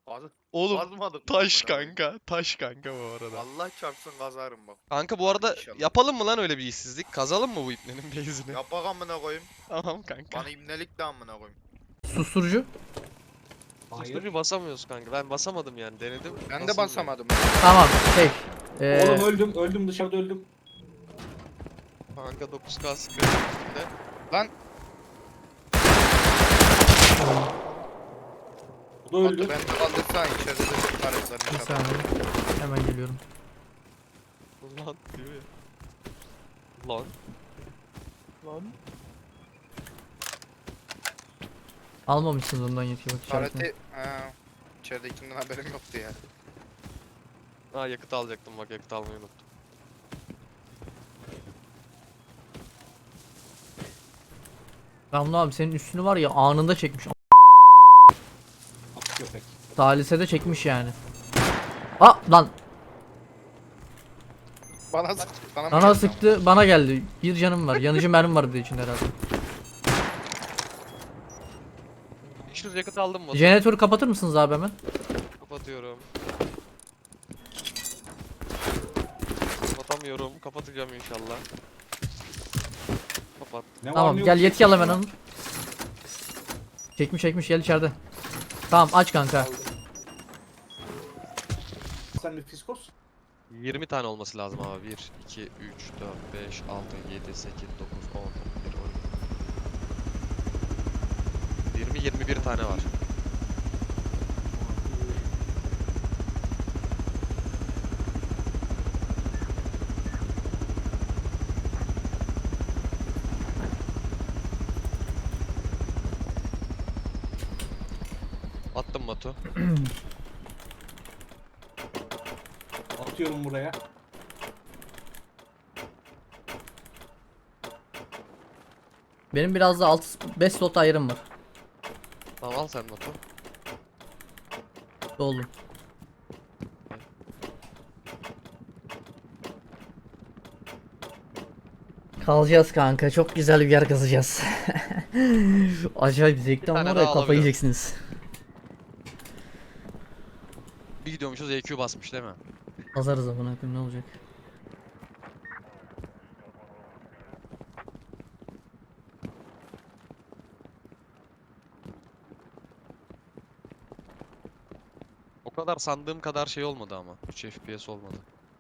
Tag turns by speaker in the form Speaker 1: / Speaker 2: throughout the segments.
Speaker 1: Oğlum
Speaker 2: Kazmadık mı
Speaker 1: taş
Speaker 2: amına koyayım?
Speaker 1: kanka. Taş kanka bu arada.
Speaker 2: Allah çarpsın kazarım bak.
Speaker 1: Kanka bu arada
Speaker 2: İnşallah.
Speaker 1: yapalım mı lan öyle bir işsizlik? Kazalım mı bu ipnenin base'ini?
Speaker 2: Yapak amına koyayım.
Speaker 1: Tamam kanka.
Speaker 2: Bana ibnelik de amına koyayım.
Speaker 3: Susturucu.
Speaker 1: Susturucu basamıyoruz kanka. Ben basamadım yani denedim.
Speaker 2: Ben de
Speaker 1: basılmıyor.
Speaker 2: basamadım.
Speaker 3: Tamam şey.
Speaker 4: Oğlum öldüm dışarıda öldüm.
Speaker 1: Kanka 9K sıkıyor.
Speaker 2: Lan
Speaker 4: Bu da öldü.
Speaker 2: Batu ben de kaldırsan içeride de çok
Speaker 3: bir
Speaker 2: karaktermiş adam.
Speaker 3: saniye. Hemen geliyorum.
Speaker 1: Lan diyor ya. Lan. Lan.
Speaker 3: Almamışsınız ondan yetki bak işaretini.
Speaker 2: Karate... Ha, içeridekinden haberim yoktu ya.
Speaker 1: Ha yakıt alacaktım bak yakıt almayı unuttum.
Speaker 3: Ramlı abi senin üstünü var ya anında çekmiş.
Speaker 4: At köpek.
Speaker 3: Salise de çekmiş yani. Aa lan
Speaker 2: Bana sıktı. Bana mı
Speaker 3: bana
Speaker 2: geldi
Speaker 3: sıktı bana geldi. Bir canım var. Yanıcı mermi var bir de içinde herhalde.
Speaker 1: 500 yakıt aldım mı?
Speaker 3: Jeneratörü kapatır mısınız abi hemen?
Speaker 1: Kapatıyorum. Kapatamıyorum. Kapatacağım inşallah. Kapat.
Speaker 4: Ne var
Speaker 3: Tamam
Speaker 4: ne yok?
Speaker 3: gel yetki al hemen onu. Çekmiş gel içeride. Tamam aç kanka.
Speaker 4: Sen bir fiskos.
Speaker 1: 20 tane olması lazım abi. 1, 2, 3, 4, 5, 6, 7, 8, 9, 10, 11, 12. 20, 21 tane var. Attım Batu.
Speaker 4: Atıyorum buraya.
Speaker 3: Benim biraz da 5 slot ayarım var.
Speaker 1: Tamam al sen Batu.
Speaker 3: Doldu. Kalacağız kanka. Çok güzel bir yer kazacağız. Acayip zevkli ama
Speaker 1: tane
Speaker 3: var
Speaker 1: daha
Speaker 3: ya kafayı
Speaker 1: alabilirim.
Speaker 3: yiyeceksiniz.
Speaker 1: Bir gidiyormuşuz EQ basmış değil mi?
Speaker 3: Kazarız amına koyayım ne olacak?
Speaker 1: O kadar sandığım kadar şey olmadı ama. 3 FPS olmadı.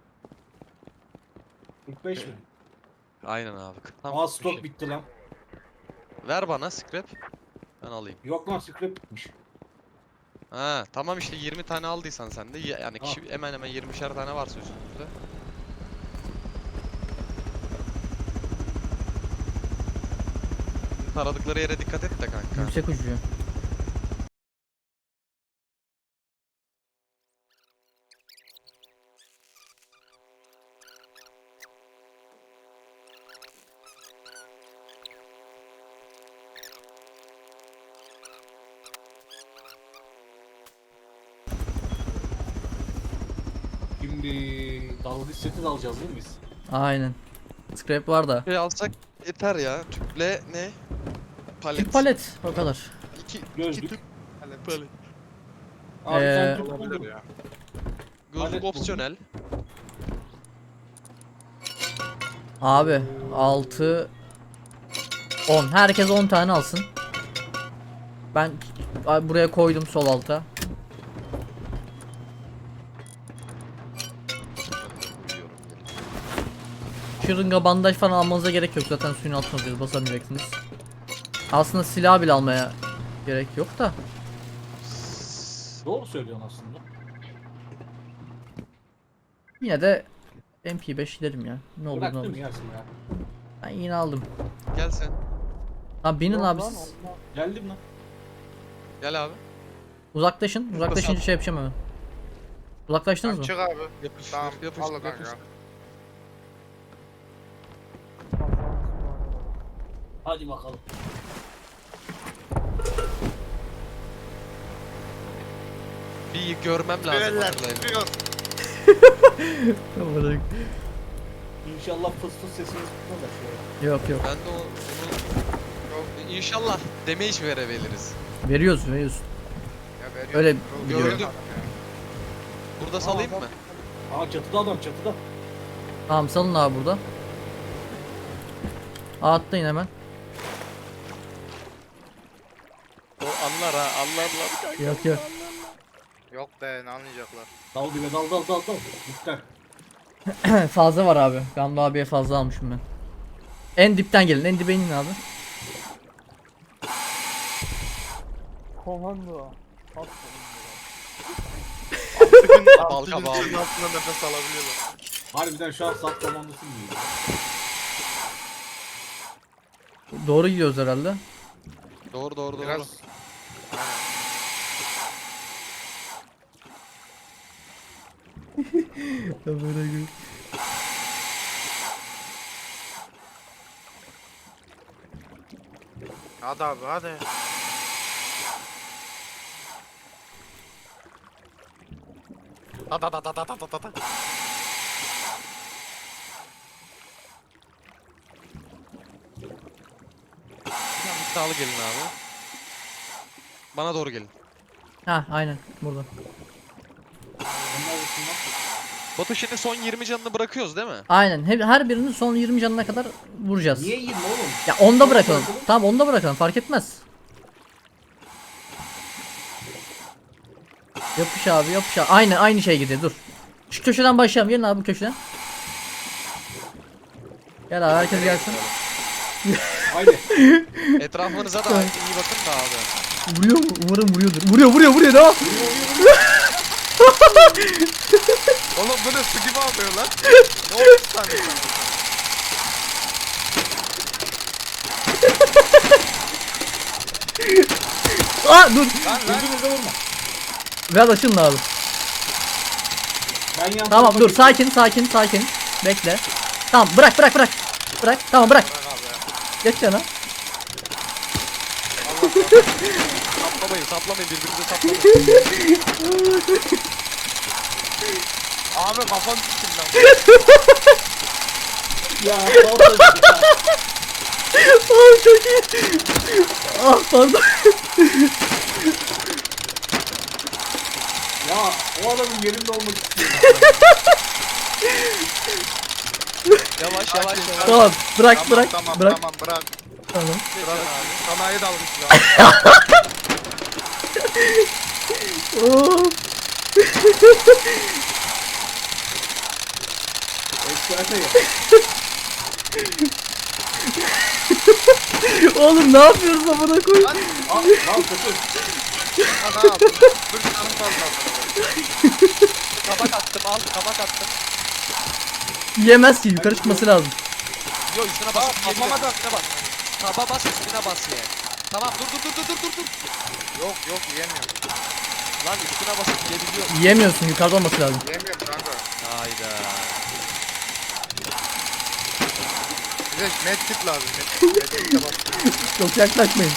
Speaker 4: 45 mi?
Speaker 1: Aynen abi. Tam
Speaker 4: Aa
Speaker 1: bir
Speaker 4: stok
Speaker 1: şey.
Speaker 4: bitti lan.
Speaker 1: Ver bana scrap. Ben alayım.
Speaker 4: Yok lan scrap bitmiş.
Speaker 1: Ha tamam işte 20 tane aldıysan sen de yani kişi hemen hemen 20'şer tane varsa üstümüzde. Taradıkları yere dikkat et de kanka.
Speaker 3: Yüksek ucu.
Speaker 4: Şimdi dalgıç seti de alacağız değil mi biz?
Speaker 3: Aynen. Scrap var da.
Speaker 1: Şey alsak yeter ya. Tüple ne? Palet.
Speaker 3: Tüp palet o kadar.
Speaker 1: İki
Speaker 4: Gözlük.
Speaker 1: tüp palet.
Speaker 4: Abi sen tüp
Speaker 2: Olabilir
Speaker 4: buldun.
Speaker 2: ya.
Speaker 1: Gözlük
Speaker 4: Palet
Speaker 1: opsiyonel.
Speaker 3: Abi 6 10. Herkes 10 tane alsın. Ben buraya koydum sol alta.
Speaker 1: Uyuyorum geri.
Speaker 3: Şırınga bandaj falan almanıza gerek yok. Zaten suyun altına alıyoruz. Basamayacaksınız. Aslında silah bile almaya gerek yok da.
Speaker 4: Doğru söylüyorsun aslında.
Speaker 3: Yine de MP5 derim ya. Ne olur ne
Speaker 4: Bıraktım
Speaker 3: olur.
Speaker 4: yersin ya.
Speaker 3: Ben yine aldım.
Speaker 1: Gel sen.
Speaker 3: Abi binin
Speaker 4: Yok
Speaker 3: abi
Speaker 4: lan,
Speaker 3: siz.
Speaker 4: Allah. Geldim lan.
Speaker 1: Gel abi.
Speaker 3: Uzaklaşın. Uzaklaşınca şey yapacağım hemen. Uzaklaştınız mı?
Speaker 2: Çık abi.
Speaker 1: Yapıştır,
Speaker 2: Tamam,
Speaker 1: yapıştır,
Speaker 2: al kanka.
Speaker 1: yapıştır.
Speaker 4: Hadi bakalım.
Speaker 1: Bir görmem lazım.
Speaker 2: Tüyeller
Speaker 1: hatırlayın.
Speaker 2: tutuyor.
Speaker 4: İnşallah fıs fıs sesiniz tutmaz da şöyle.
Speaker 3: Yok yok.
Speaker 1: Ben de onu inşallah damage verebiliriz.
Speaker 3: Veriyoruz veriyoruz.
Speaker 2: Ya veriyor.
Speaker 3: Öyle
Speaker 2: Gördüm.
Speaker 3: biliyorum.
Speaker 1: Burada salayım mı?
Speaker 4: Aa çatıda adam çatıda.
Speaker 3: Tamam salın abi burada. Atlayın hemen.
Speaker 1: O anlar ha, anlarlar kanka.
Speaker 3: Yok yok.
Speaker 2: Yok be ne anlayacaklar.
Speaker 4: Dal dibe dal. Lütfen.
Speaker 3: Fazla var abi. Gamlı abiye fazla almışım ben. En dipten gelin. En dibe inin abi.
Speaker 5: Komando.
Speaker 1: Balka bağlı.
Speaker 2: Suyun altında nefes alabiliyorlar.
Speaker 4: Harbiden şu an sat komandosu gibi.
Speaker 3: Doğru gidiyoruz herhalde.
Speaker 1: Doğru.
Speaker 2: Biraz. Hadi abi hadi. Da.
Speaker 1: İddialı gelin abi. Bana doğru gelin.
Speaker 3: Ha aynen burada.
Speaker 4: Onlar arasında.
Speaker 1: Batu şimdi son 20 canını bırakıyoruz değil mi?
Speaker 3: Aynen. Her birinin son 20 canına kadar vuracağız.
Speaker 4: Niye 20 oğlum?
Speaker 3: Ya onda
Speaker 4: Onda
Speaker 3: bırakalım.
Speaker 4: bırakalım.
Speaker 3: Tamam onda bırakalım fark etmez. Yapış abi yapış abi. Aynı şey gidiyor dur. Şu köşeden başlayalım. Gelin abi bu köşeden. Gel abi herkes gelsin.
Speaker 4: Haydi.
Speaker 1: Etrafınıza da iyi bakın da abi.
Speaker 3: Vuruyor mu? Umarım vuruyordur. Vuruyor ne?
Speaker 2: Oğlum bu ne su gibi alıyor lan. Ne oldu sana?
Speaker 3: Aa dur.
Speaker 4: Gözünüze vurma.
Speaker 3: Biraz açılın abi.
Speaker 4: Ben yan
Speaker 3: Tamam
Speaker 4: tarafa
Speaker 3: dur
Speaker 4: geçeyim.
Speaker 3: sakin. Bekle. Tamam bırak. Bırak tamam bırak.
Speaker 2: Bırak abi ya.
Speaker 3: Geç yana.
Speaker 1: Saplamayın birbirinize saplamayın.
Speaker 2: Abi kafam düştüm lan.
Speaker 4: Ya vallahi.
Speaker 3: Aa çok iyi. Ah pardon.
Speaker 4: Ya o adamın yerinde olmak istiyorum.
Speaker 1: Yavaş.
Speaker 3: Tamam bırak.
Speaker 2: Tamam
Speaker 3: Bırak.
Speaker 2: bırak.
Speaker 3: Tamam.
Speaker 2: Bırak abi. Sanayi dalmış ya.
Speaker 3: Oo.
Speaker 4: Ekstrate ya.
Speaker 3: Oğlum ne yapıyoruz amına koy?
Speaker 2: Lan
Speaker 4: Al kötü.
Speaker 2: ne yaptın? Dur canım fazla.
Speaker 1: Kabak attım al kabak attım.
Speaker 3: Yiyemez ki yukarı çıkması lazım.
Speaker 1: Yo üstüne bas.
Speaker 2: Kafama da.
Speaker 1: Üstüne bas. Taba bas üstüne bas ye. Tamam dur.
Speaker 2: Yok yiyemiyorum.
Speaker 1: Lan üstüne basıp yiyebiliyor.
Speaker 3: Yiyemiyorsun yukarıda olması lazım.
Speaker 2: Yiyemiyorum kanka.
Speaker 1: Hayda.
Speaker 2: Bize medkit lazım. Medkit de bak.
Speaker 3: Çok yaklaşmayın.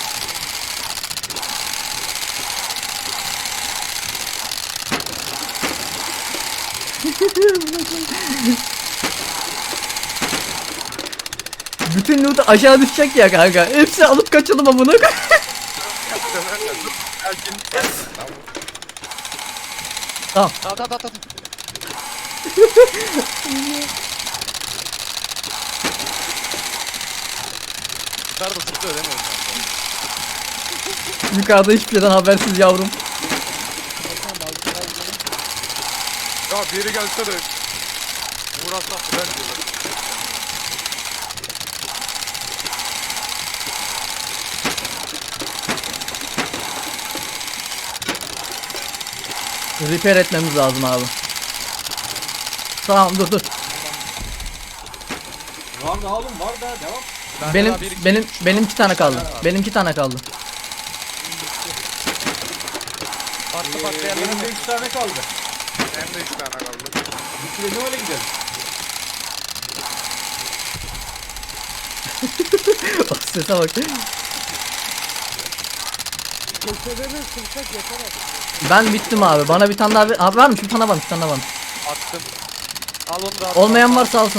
Speaker 3: Bütün loot aşağı düşecek ya kanka. Hepsini alıp kaçalım amına koy. Tamam.
Speaker 1: Tamam. Yukarıda zıplıyor değil mi o kanka?
Speaker 3: Yukarıda hiçbir şeyden habersiz yavrum.
Speaker 2: Ya biri gelse de uğraşsak ben diyorlar.
Speaker 3: Repair etmemiz lazım abi. Tamam dur.
Speaker 4: Var da oğlum var da devam.
Speaker 1: Bende
Speaker 3: Benim
Speaker 1: daha bir, iki,
Speaker 3: benim
Speaker 1: üç,
Speaker 3: benim
Speaker 1: dört,
Speaker 3: 2 tane
Speaker 1: beş
Speaker 3: kaldı.
Speaker 1: var.
Speaker 3: Benim 2 tane kaldı.
Speaker 1: Farklı
Speaker 4: Benim
Speaker 1: yerlere
Speaker 4: de 3 tane kaldı.
Speaker 2: Hem de 3 tane kaldı.
Speaker 4: Bitirelim öyle gidelim.
Speaker 3: Sese bak.
Speaker 5: Köşeleri sırsak yeter artık.
Speaker 3: Ben bittim abi. Bana bir tane daha abi varmış. Bir tane varmış.
Speaker 1: attım. Al onu da at.
Speaker 3: Olmayan varsa alsın.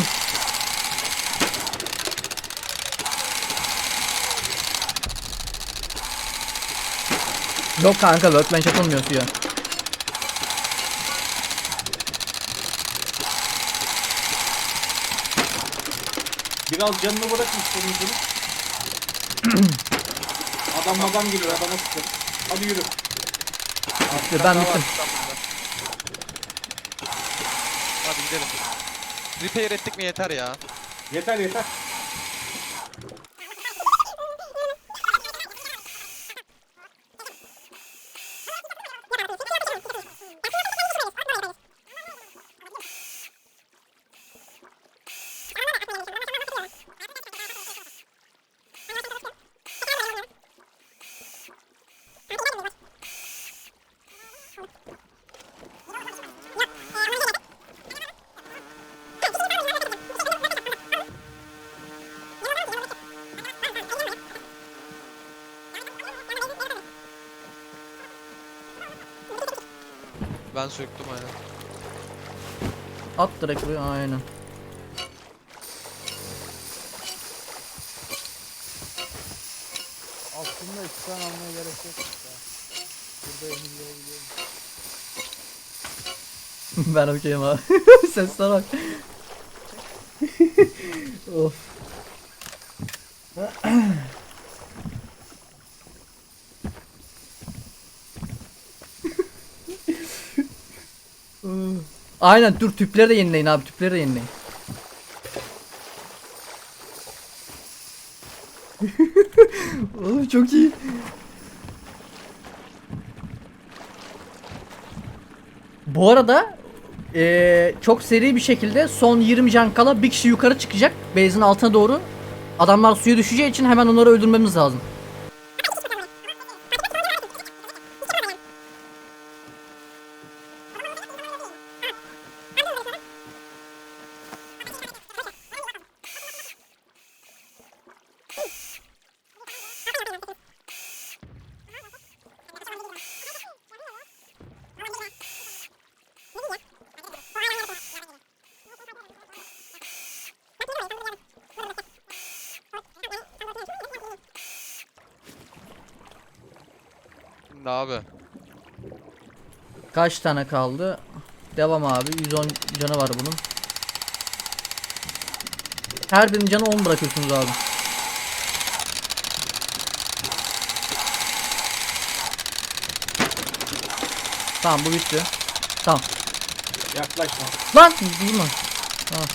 Speaker 3: Yok kanka workbench atılmıyor suya.
Speaker 4: Biraz canını bırakın sonuncunu. Adam geliyor, adama sıkın. Hadi yürü.
Speaker 3: Ben bittim.
Speaker 1: Hadi gidelim. Repair ettik mi yeter ya.
Speaker 4: Yeter yeter.
Speaker 1: Ben söktüm aynen.
Speaker 3: At direkt buraya aynen.
Speaker 5: Aslında ekran almaya gerek yok. Ya. Burada emirleyebiliyorum.
Speaker 3: Ben okeyim abi. Sesler bak. Of. Aynen dur tüpleri de yenileyin abi, tüpleri de yenileyin. Oğlum çok iyi. Bu arada çok seri bir şekilde son 20 can kala bir kişi yukarı çıkacak base'in altına doğru. Adamlar suya düşeceği için hemen onları öldürmemiz lazım.
Speaker 1: Şimdi abi.
Speaker 3: Kaç tane kaldı? Devam abi. 110 canı var bunun. Her birinin canı 10 bırakıyorsunuz abi. Tamam bu bitti. Tamam.
Speaker 4: Yaklaşma.
Speaker 3: Lan vurma. Tamam.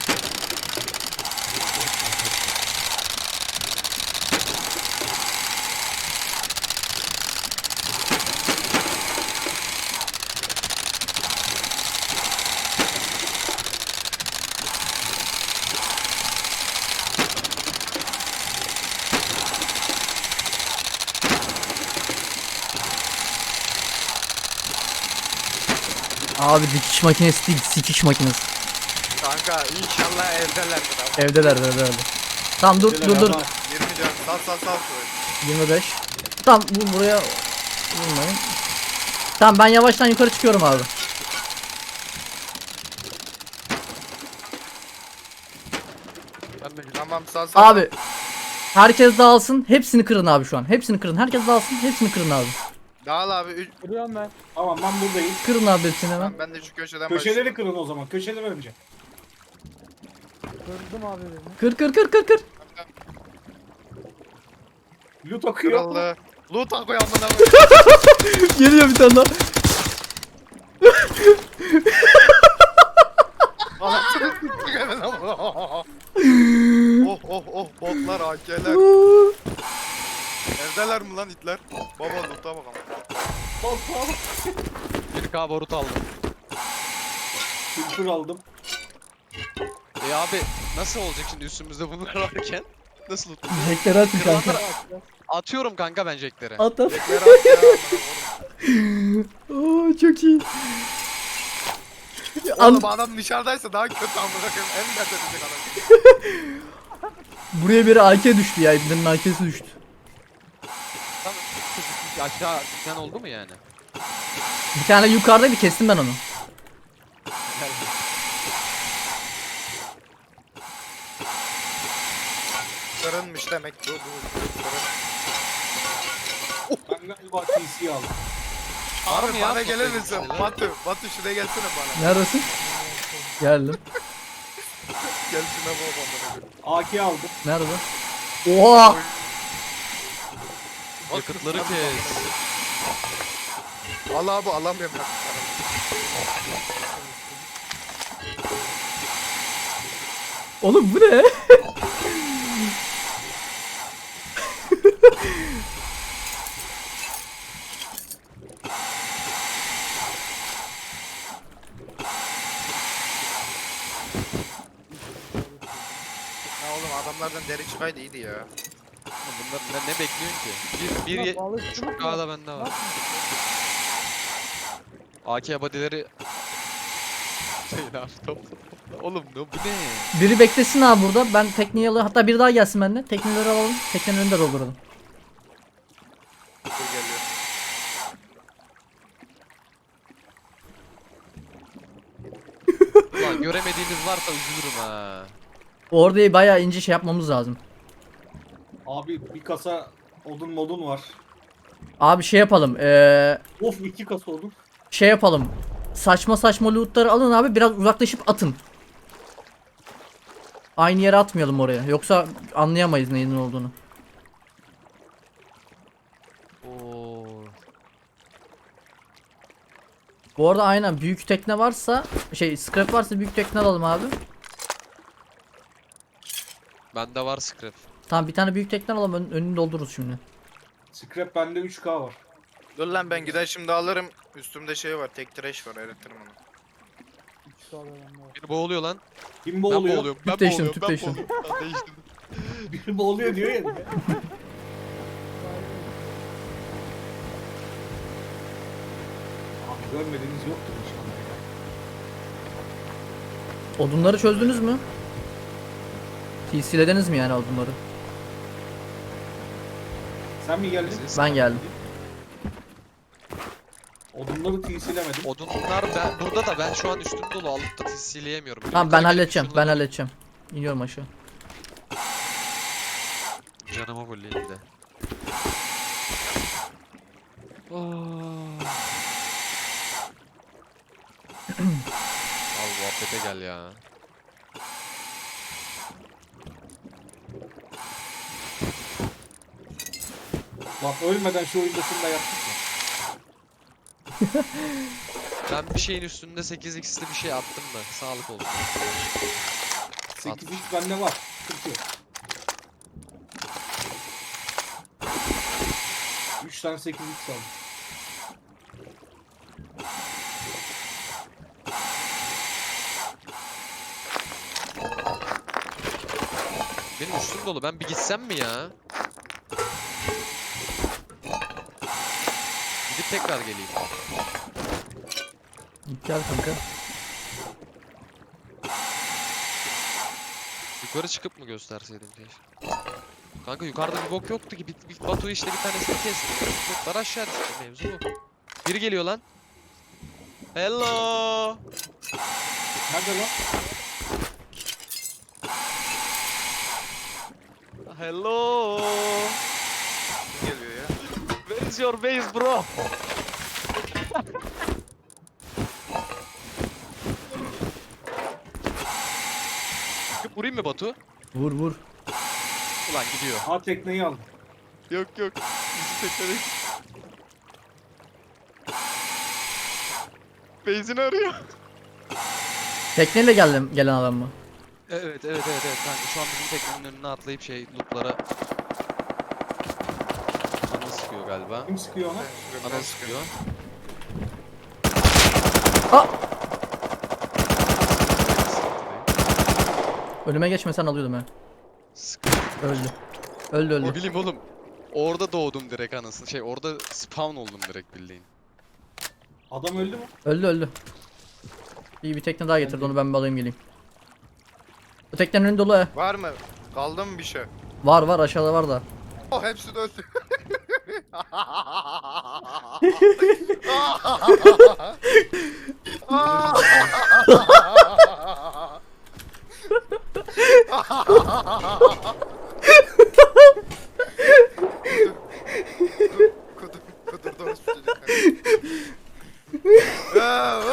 Speaker 3: Abi dikiş makinesi değil, sikiş makinesi.
Speaker 2: Kanka inşallah evdelerdir abi.
Speaker 3: Evdeler. Tamam dur.
Speaker 2: 20 can. Sal şurayı.
Speaker 3: 25. Tamam buraya vurmayın. Tamam ben yavaştan yukarı çıkıyorum abi.
Speaker 2: Tamam sal.
Speaker 3: Abi herkes dağılsın. Hepsini kırın abi şu an. Hepsini kırın. Herkes dağılsın. Hepsini kırın abi.
Speaker 2: Dağıl abi.
Speaker 5: Kırıyorum ben.
Speaker 4: Tamam ben buradayım.
Speaker 3: Kırın abi hepsini hemen.
Speaker 2: Ben de şu köşeden
Speaker 4: Köşeleri
Speaker 2: başlayayım.
Speaker 4: kırın o zaman. Köşeleri önce.
Speaker 5: Kırdım abi birini.
Speaker 3: Kır.
Speaker 4: Loot akıyor.
Speaker 2: Kırıldı. Loot akıyor amına.
Speaker 3: Geliyor bir tane daha.
Speaker 2: Anasını siktik hemen amına. Oh botlar AK'ler. Evdeler mi lan itler? Baba loot'a bakalım.
Speaker 4: Bak bak.
Speaker 1: 1K barut aldım.
Speaker 4: Kültür aldım.
Speaker 1: Abi nasıl olacak şimdi üstümüzde bunlar varken? Nasıl tutacağız?
Speaker 3: Jackleri atın kanka.
Speaker 1: Kırılanları atıyorum kanka ben jackleri.
Speaker 3: At at.
Speaker 2: Bekler at ya amına.
Speaker 3: Oo, çok iyi.
Speaker 2: Oğlum adam dışarıdaysa daha kötü amına koyayım. En dert edecek adam.
Speaker 3: Buraya biri AK düştü ya. İbnenin AK'si düştü.
Speaker 1: Aşağı düşen oldu mu yani?
Speaker 3: Bir tane yukarıdaydı, kestim ben onu.
Speaker 2: Kırınmış demek bu. Kırın.
Speaker 4: Ben galiba TC'yi aldım.
Speaker 1: Var
Speaker 2: Abi
Speaker 1: mı ya?
Speaker 2: bana gelir
Speaker 1: Böyle
Speaker 2: misin?
Speaker 1: şeyler?
Speaker 2: Batu şuraya gelsene bana.
Speaker 3: Neredesin? Geldim.
Speaker 2: Gel şuna baba bana.
Speaker 4: AK aldım.
Speaker 3: Nerede? Oha!
Speaker 1: Yakıtları kes.
Speaker 2: Allah abi alamıyorum ya.
Speaker 3: Oğlum bu ne?
Speaker 2: Ya oğlum adamlardan deri çıkaydı iyiydi ya.
Speaker 1: Bunlar ne bekliyorsun ki? Bir
Speaker 5: Ulan balıkçılık mı?
Speaker 1: K'da bende var. AK body'leri şey ne yaptım? Oğlum ne bu ne?
Speaker 3: Biri beklesin abi burada. Ben tekneyi alayım. Hatta biri daha gelsin bende. Tekneleri alalım. Teknenin önünde dolduralım.
Speaker 2: Dur geliyor.
Speaker 1: Ulan göremediğimiz varsa üzülürüm ha.
Speaker 3: Orada bayağı ince şey yapmamız lazım.
Speaker 4: Abi bir kasa odun modun var.
Speaker 3: Abi şey yapalım.
Speaker 4: Of 2 kasa odun.
Speaker 3: Şey yapalım. Saçma saçma lootları alın abi. Biraz uzaklaşıp atın. Aynı yere atmayalım oraya. Yoksa anlayamayız neyin olduğunu.
Speaker 1: Oo.
Speaker 3: Bu arada aynen büyük tekne varsa scrap varsa büyük tekne alalım abi.
Speaker 1: Bende var scrap.
Speaker 3: Tamam bir tane büyük tekne alalım önünü doldururuz şimdi.
Speaker 4: Scrap bende 3K var.
Speaker 2: Dur lan ben gider şimdi alırım. Üstümde şey var. Tek trash var. Eritirim onu.
Speaker 5: Üç tane bende var.
Speaker 1: Biri boğuluyor lan.
Speaker 4: Kim
Speaker 1: Ben
Speaker 4: boğuluyor?
Speaker 1: boğuluyorum.
Speaker 3: Tüp
Speaker 1: Ben
Speaker 3: değiştirdim,
Speaker 1: boğuluyorum.
Speaker 3: tüp
Speaker 1: Ben
Speaker 3: değiştirdim.
Speaker 1: boğuluyorum. Ben değiştirdim.
Speaker 4: Biri boğuluyor diyor ya. Abi görmediğiniz yoktur inşallah ya.
Speaker 3: Odunları çözdünüz mü? TC'lediniz mi yani odunları?
Speaker 4: Sen mi geldin?
Speaker 3: Ben geldim.
Speaker 4: Odunları TC'lemedim.
Speaker 1: Odunlar ben burada da ben şu an üstüm dolu alıp da TC'leyemiyorum.
Speaker 3: Tamam ben halledeceğim. Ben halledeceğim. İniyorum aşağı.
Speaker 1: Canıma fulleyim de. Al muhabbete gel ya.
Speaker 4: Lan ölmeden şu oyundasını da yaptık ya.
Speaker 1: Ben bir şeyin üstünde 8x'li bir şey attım da sağlık olsun.
Speaker 4: 8 ilk bende var. Sıkıntı yok. 3 tane 8 ilk aldım.
Speaker 1: Benim üstüm dolu. Ben bir gitsem mi ya? Gidip tekrar geleyim.
Speaker 3: Git gel kanka.
Speaker 1: Yukarı çıkıp mı gösterseydim keşke. Kanka yukarıda bir bok yoktu ki. Batu işte bir tanesini kesti. Botlar aşağı düştü. Mevzu bu. Biri geliyor lan. Hello.
Speaker 4: Nerede lan?
Speaker 1: Hello.
Speaker 2: Kim geliyor ya?
Speaker 1: Where is your base bro? Vurayım mı Batu?
Speaker 3: Vur vur.
Speaker 1: Ulan gidiyor.
Speaker 4: Ha tekneyi aldım.
Speaker 1: Yok yok. Bizi tekledik. Base'ini arıyor.
Speaker 3: Tekneyle gelen adam mı?
Speaker 1: Evet kanka şu an bizim teknenin önüne atlayıp lootlara ana sıkıyor galiba.
Speaker 4: Kim sıkıyor ona?
Speaker 1: Ana sıkıyor.
Speaker 3: Önüme geçmesen alıyordum ben.
Speaker 1: Sıkıyor.
Speaker 3: Öldü. Öldü
Speaker 1: Ne
Speaker 3: öldü.
Speaker 1: bileyim oğlum. Orada doğdum direkt anasını. Orada spawn oldum direkt bildiğin.
Speaker 4: Adam öldü mü?
Speaker 3: Öldü öldü. İyi bir tekne daha getirdi onu ben bir alayım geleyim. Bu teknenin önü dolu he.
Speaker 2: Var mı? Kaldı mı bir şey?
Speaker 3: Var var aşağıda var da.
Speaker 2: Oh hepsi de öldü. Kudum. Aa,